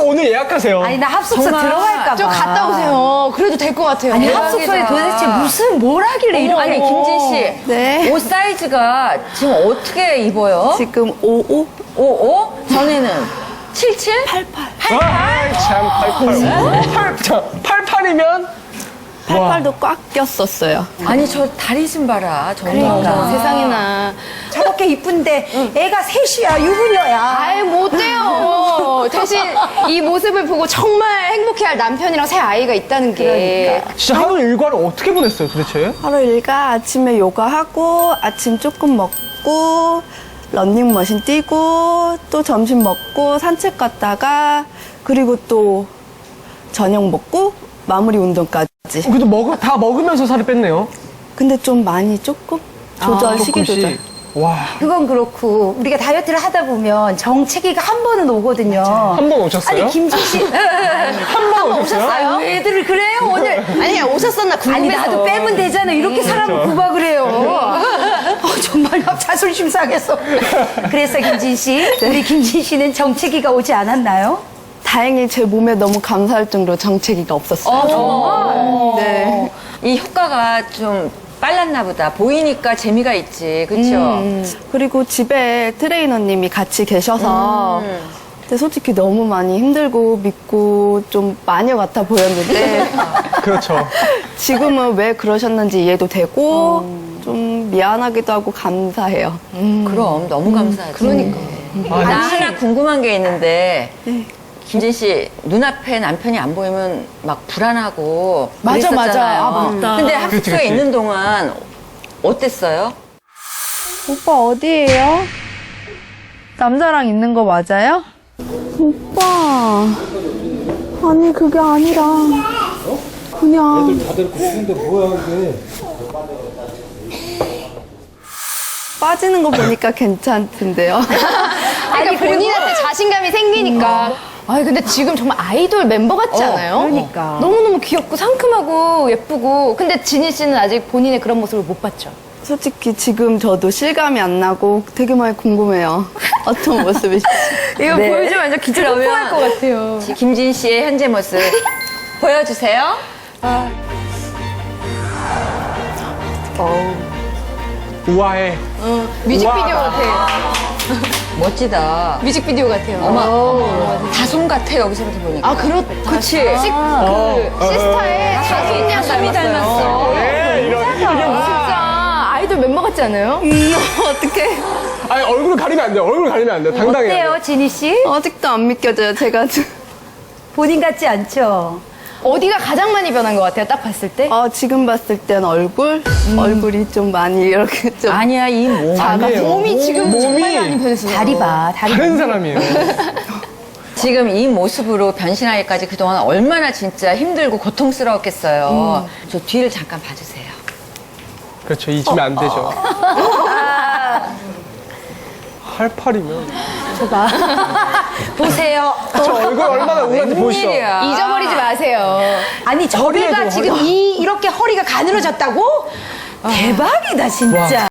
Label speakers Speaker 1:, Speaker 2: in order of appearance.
Speaker 1: 오늘 예약하세요.
Speaker 2: 아니 나 합숙소
Speaker 3: 정말
Speaker 2: 들어갈까 봐.
Speaker 4: 좀 갔다 오세요. 그래도 될 것 같아요.
Speaker 2: 아니
Speaker 3: 대박이다.
Speaker 2: 합숙소에 도대체 무슨 뭘 하길래 이렇게.
Speaker 3: 아니 김진 씨,
Speaker 5: 네.
Speaker 3: 옷 사이즈가 지금 어떻게 입어요?
Speaker 5: 지금 55?
Speaker 3: 55? 전에는 77?
Speaker 5: 88.
Speaker 1: 참, 88이면?
Speaker 5: 88도 꽉 꼈었어요.
Speaker 3: 아니 저 다리 좀 봐라.
Speaker 2: 그러니까.
Speaker 4: 세상에나.
Speaker 2: 저렇게 이쁜데 애가 셋이야 유부녀야.
Speaker 4: 아예 못돼요. 대신 이 모습을 보고 정말 행복해할 남편이랑 새 아이가 있다는 게.
Speaker 1: 진짜 하루 일과를 어떻게 보냈어요, 도대체?
Speaker 5: 하루 일과 아침에 요가하고 아침 조금 먹고 런닝머신 뛰고 또 점심 먹고 산책 갔다가 그리고 또 저녁 먹고 마무리 운동까지.
Speaker 1: 그래도 다 먹으면서 살을 뺐네요.
Speaker 5: 근데 좀 많이 조금 조절 식이 조절.
Speaker 1: 조금씩. 와,
Speaker 2: 그건 그렇고 우리가 다이어트를 하다 보면 정체기가 한 번은 오거든요.
Speaker 1: 한 번 오셨어요?
Speaker 2: 아니 김진 씨
Speaker 1: 한 번 오셨어요?
Speaker 2: 아유, 왜 애들을 그래요 오늘?
Speaker 4: 아니, 오셨었나
Speaker 2: 아니
Speaker 4: 궁금해서.
Speaker 2: 나도 빼면 되잖아. 이렇게 사람을 구박을 해요. 정말 나 자존심 상했어. 그래서 김진 씨, 우리 김진 씨는 정체기가 오지 않았나요?
Speaker 5: 다행히 제 몸에 너무 감사할 정도로 정체기가 없었어요.
Speaker 3: 정말?
Speaker 5: 네.
Speaker 3: 이 효과가 좀 빨랐나 보다. 보이니까 재미가 있지. 그렇죠?
Speaker 5: 그리고 집에 트레이너님이 같이 계셔서 근데 솔직히 너무 많이 힘들고 믿고 좀 마녀 같아 보였는데
Speaker 1: 그렇죠.
Speaker 5: 지금은 왜 그러셨는지 이해도 되고 좀 미안하기도 하고 감사해요.
Speaker 3: 그럼 너무 감사하지.
Speaker 4: 그러니까.
Speaker 3: 나 하나 궁금한 게 있는데 김진 씨 눈앞에 남편이 안 보이면 막 불안하고
Speaker 4: 맞아, 맞아.
Speaker 3: 그랬었잖아요.
Speaker 4: 아, 맞다.
Speaker 3: 근데
Speaker 1: 그치,
Speaker 3: 합숙소에
Speaker 1: 그치.
Speaker 3: 있는 동안 어땠어요?
Speaker 6: 오빠 어디예요? 남자랑 있는 거 맞아요?
Speaker 5: 오빠 아니 그게 아니라 그냥 빠지는 거 보니까 괜찮던데요.
Speaker 4: 그러니까 본인한테 자신감이 생기니까. 아니, 근데 지금 정말 아이돌 멤버 같지 않아요?
Speaker 2: 그러니까.
Speaker 4: 너무너무 귀엽고 상큼하고 예쁘고. 근데 진희 씨는 아직 본인의 그런 모습을 못 봤죠?
Speaker 5: 솔직히 지금 저도 실감이 안 나고 되게 많이 궁금해요. 어떤 모습이실지.
Speaker 4: 이거 보여주면 완전 기절 폭발할 것 같아요.
Speaker 3: 김진 씨의 현재 모습 보여주세요.
Speaker 1: 우아해.
Speaker 4: 뮤직비디오 같아.
Speaker 3: 멋지다.
Speaker 4: 뮤직비디오 같아요.
Speaker 3: 어머, 다솜 같아 여기서부터 보니까.
Speaker 4: 아,
Speaker 3: 그치?
Speaker 4: 그 시스타의 다솜 양삼이 닮았어.
Speaker 1: 네, 이런.
Speaker 4: 진짜 아이돌 멤버 같지 않아요?
Speaker 5: 어떻게
Speaker 1: 아니, 얼굴 가리면 안 돼요. 얼굴 가리면 안 돼요. 당당해야 돼요.
Speaker 2: 어때요, 진희 씨?
Speaker 5: 아직도 안 믿겨져요. 제가
Speaker 2: 본인 같지 않죠?
Speaker 4: 어디가 가장 많이 변한 것 같아요? 딱 봤을 때?
Speaker 5: 지금 봤을 땐 얼굴이 좀 많이 이렇게 좀
Speaker 3: 아니야 이 몸.
Speaker 1: 아니에요.
Speaker 4: 몸이 지금 정말
Speaker 1: 몸이
Speaker 4: 많이 변했어요.
Speaker 2: 다리 봐, 다리.
Speaker 1: 다른 사람이에요.
Speaker 3: 지금 이 모습으로 변신하기까지 그동안 얼마나 진짜 힘들고 고통스러웠겠어요. 저 뒤를 잠깐 봐주세요.
Speaker 1: 그렇죠. 잊으면 안 되죠. 88이면.
Speaker 2: 보세요.
Speaker 1: 저 얼굴 얼마나 우울한지 보시죠.
Speaker 3: 웬일이야.
Speaker 4: 잊어버리지 마세요.
Speaker 2: 아니 저 배가
Speaker 1: 허리에도
Speaker 2: 지금 이렇게 허리가 가늘어졌다고? 대박이다 진짜.